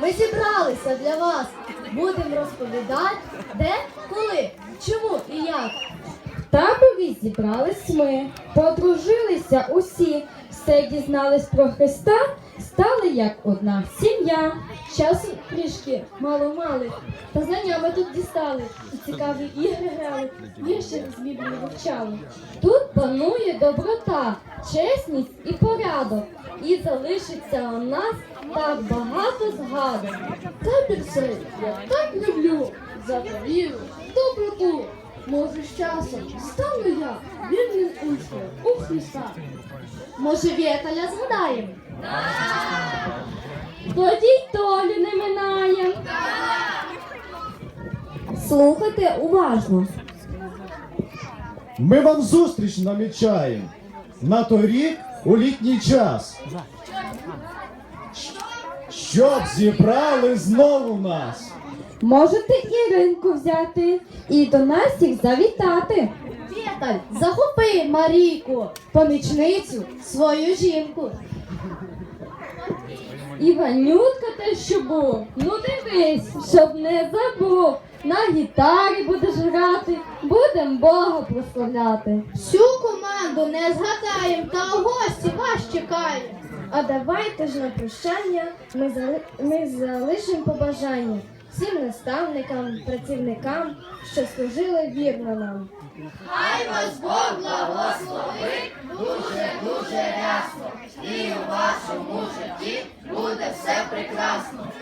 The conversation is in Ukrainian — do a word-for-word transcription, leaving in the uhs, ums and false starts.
Ми зібралися для вас. Будемо розповідати, де, коли, чому і як. В таборі зібрались ми, подружилися усі, все дізнались про Христа, стали як одна сім'я. Часу трішки мало-мали, та знання ми тут дістали. І цікаві ігри грали, вірші з Біблії вивчали. Тут панує доброта, чесність і порядок. І залишиться у нас так багато згадок. Табір цей я так люблю, за віру, доброту. Може, з часом стану я вірним учнем у Христа. Може, Вєталя згадаємо? Тоді й Толю не минаєм. Слухайте уважно. Ми вам зустріч намічаємо на той рік у літній час. Щоб зібрали знову нас. Можете Іринку взяти і до нас їх завітати. Вєталь, захопи Марійку, помічницю, свою жінку. Іванютка те, що був, ну дивись, щоб не забув. На гітарі будеш грати, будем Бога прославляти. Всю команду не згадаєм, та у гості вас чекаємо. А давайте ж на прощання ми, зали... ми залишимо побажання всім наставникам, працівникам, що служили вірно нам. Хай вас Бог благословить дуже-дуже рясно, і у вашому житті буде все прекрасно.